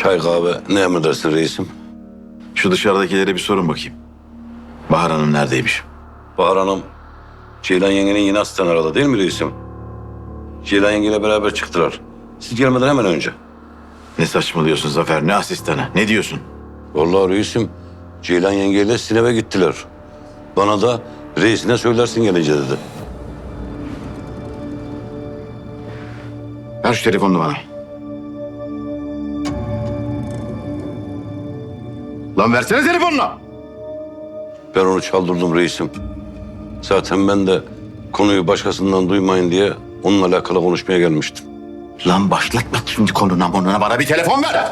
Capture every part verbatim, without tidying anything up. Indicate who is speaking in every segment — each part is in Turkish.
Speaker 1: Çay kahve ne emredersin reisim?
Speaker 2: Şu dışarıdakilere bir sorun bakayım. Bahar Hanım neredeymiş?
Speaker 1: Bahar Hanım, Ceylan yengenin yine asistan aradı değil mi reisim? Ceylan yengeyle beraber çıktılar. Siz gelmeden hemen önce.
Speaker 2: Ne saçmalıyorsun Zafer? Ne asistanı? Ne diyorsun?
Speaker 1: Vallahi reisim, Ceylan yengeyle Sinep'e gittiler. Bana da reisine söylersin gelince dedi.
Speaker 2: Ver şu telefonunu bana. Lan versene telefonunu.
Speaker 1: Ben onu çaldırdım reisim. Zaten ben de konuyu başkasından duymayın diye onunla alakalı konuşmaya gelmiştim.
Speaker 2: Lan başlatma şimdi konuna monuna, bana bir telefon ver.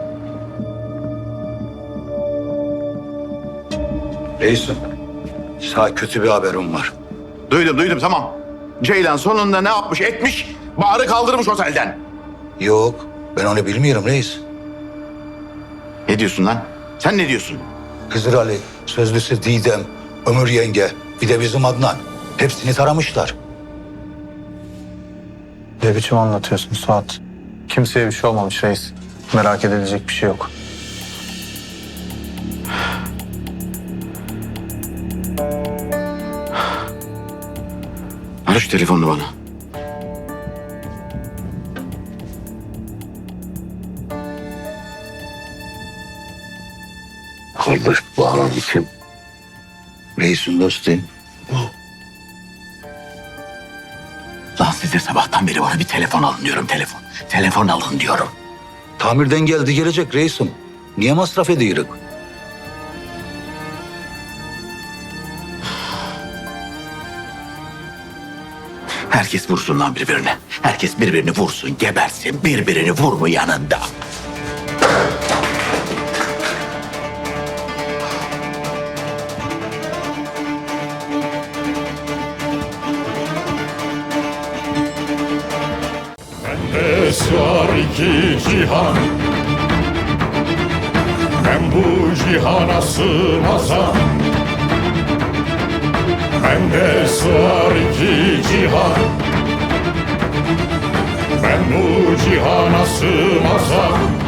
Speaker 3: Reisim, sana kötü bir haberim var.
Speaker 2: Duydum duydum tamam. Ceylan sonunda ne yapmış etmiş? Bahar'ı kaldırmış otelden.
Speaker 3: Yok, ben onu bilmiyorum reis.
Speaker 2: Ne diyorsun lan? Sen ne diyorsun?
Speaker 3: Hızır Ali, sözlüsü Didem, Ömür yenge, bir de bizim Adnan. Hepsini taramışlar.
Speaker 4: Ne biçim anlatıyorsun Suat? Kimseye bir şey olmamış reis. Merak edilecek bir şey yok.
Speaker 2: Ver şu telefonunu bana.
Speaker 1: Kardeş Bahar Hanım kim?
Speaker 3: Reisin dostum.
Speaker 2: Lan size sabahtan beri bana bir telefon alın diyorum, telefon. Telefon alın diyorum.
Speaker 3: Tamirden geldi gelecek reisim. Niye masraf ediyoruz?
Speaker 2: Herkes vursun lan birbirine. Herkes birbirini vursun, gebersin. Birbirini vur mu yanında?
Speaker 5: Bende sığar iki cihan, ben bu cihana sığmazam. Bende sığar iki cihan, ben bu cihana sığmazam.